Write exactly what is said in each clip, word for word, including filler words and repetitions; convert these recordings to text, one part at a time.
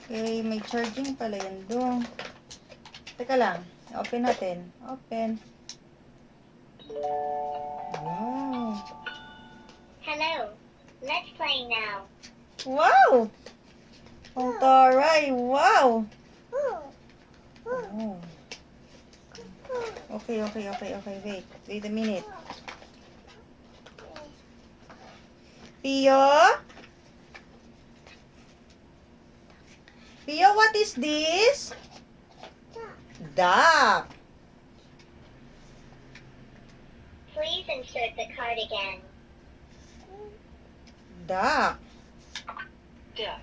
Okay, may charging pala yan doon. Teka lang. Open natin. Open. Wow. Hello. Let's play now. Wow! Ang taray. Wow! Oh. Okay, okay, okay, okay. Wait. Wait a minute. Pio? Pio, what is this? Duck. Please insert the card again. Duck. Duck.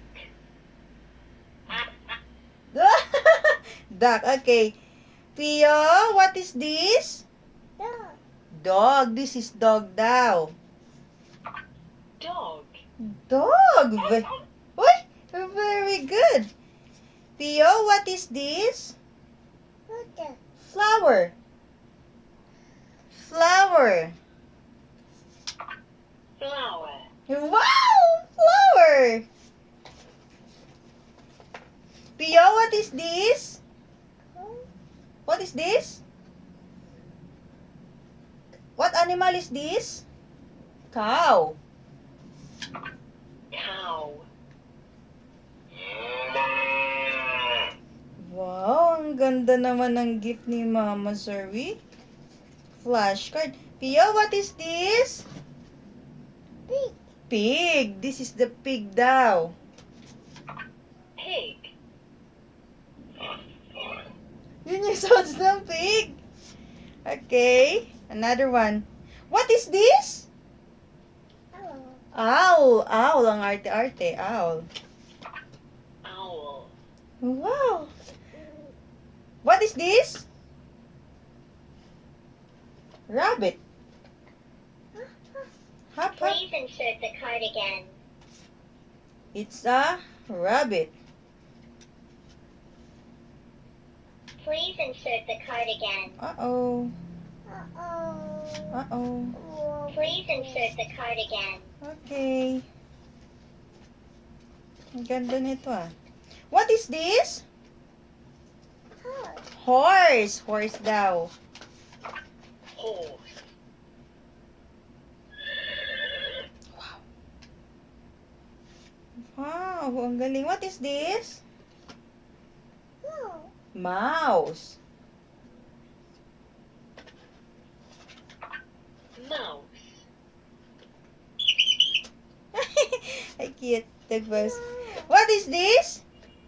Duck, okay. Pio, what is this? Dog. This is dog daw. Dog. Dog. Ve- Uy, very good. Pio, what is this? Flower. Flower. Flower. Wow! Flower. Pio, what is this? What is this? What animal is this? Cow. Cow. Wow, ang ganda naman ng gift ni Mama Zerwi. Flashcard. Pio, what is this? Pig. Pig. This is the pig daw. Pig. Yun yung sounds ng pig. Okay. Another one. What is this? Owl. Owl. Ang arte-arte. Owl. Owl. Wow. What is this? Rabbit. Hop, hop. Please insert the card again. It's a rabbit. Please insert the card again. Uh-oh. Uh-oh. Uh-oh. Please insert the card again. Okay. Ang ganda nito ah. What is this? Horse. Horse daw. Horse. Wow, ang galing. What is this? Mouse. Mouse. Ay, cute. Tagpas. What is this?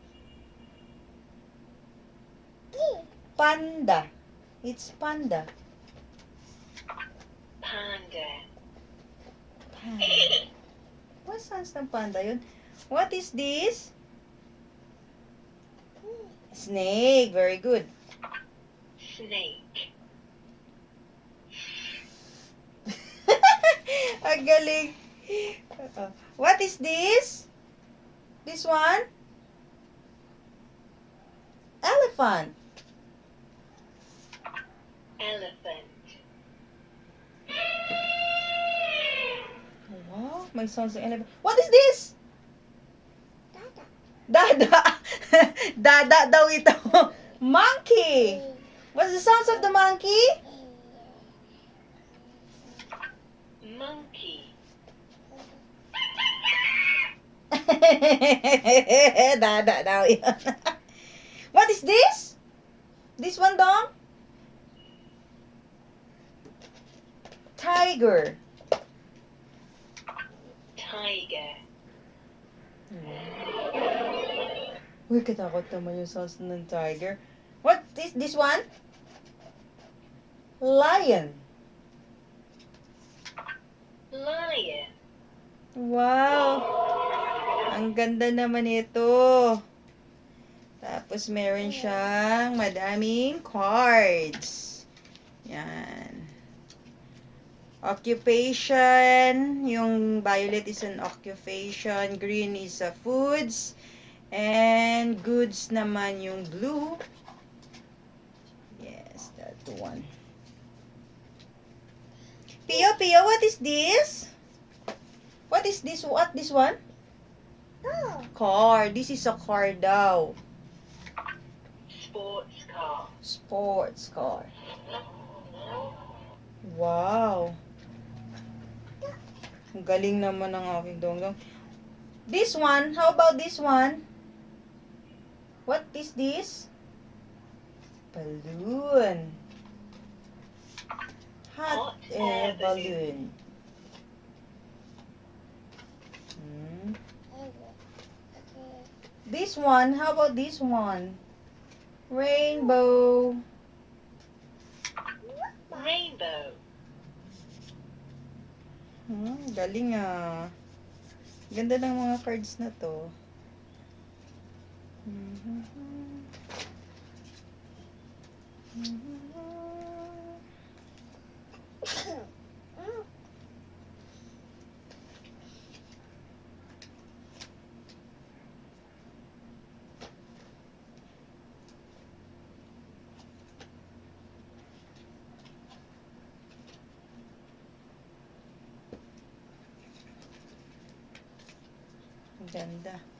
Panda. It's panda. Panda. Panda. What sounds ng panda yun? What is this? Snake. Very good. Snake. Ang galing. Uh, What is this? This one? Elephant. Elephant. Wow, may sounds ng elephant. What is this? Dada. Dada daw ito. Monkey. What's the sounds of the monkey? Monkey. Dada daw yun. What is this? This one, dong? Tiger. Tiger. Uy, katakot naman yung sounds ng tiger. What is this one? Lion. Lion. Wow. Ang ganda naman ito. Tapos meron siyang madaming cards. Yan. Occupation. Yung violet is an occupation. Green is a foods. And goods naman yung blue. Yes, that one. Pio, Pio, what is this? What is this? What this one? Oh. car. This is a car daw. Sports car. Sports car. Wow. Ang galing naman ng aking donggong. This one, how about this one? What is this? Balloon. Hot Hot air air balloon. Hmm. This one, how about this one? Rainbow. Rainbow. Hmm, galing ah. Ganda ng mga cards na to. Ganda.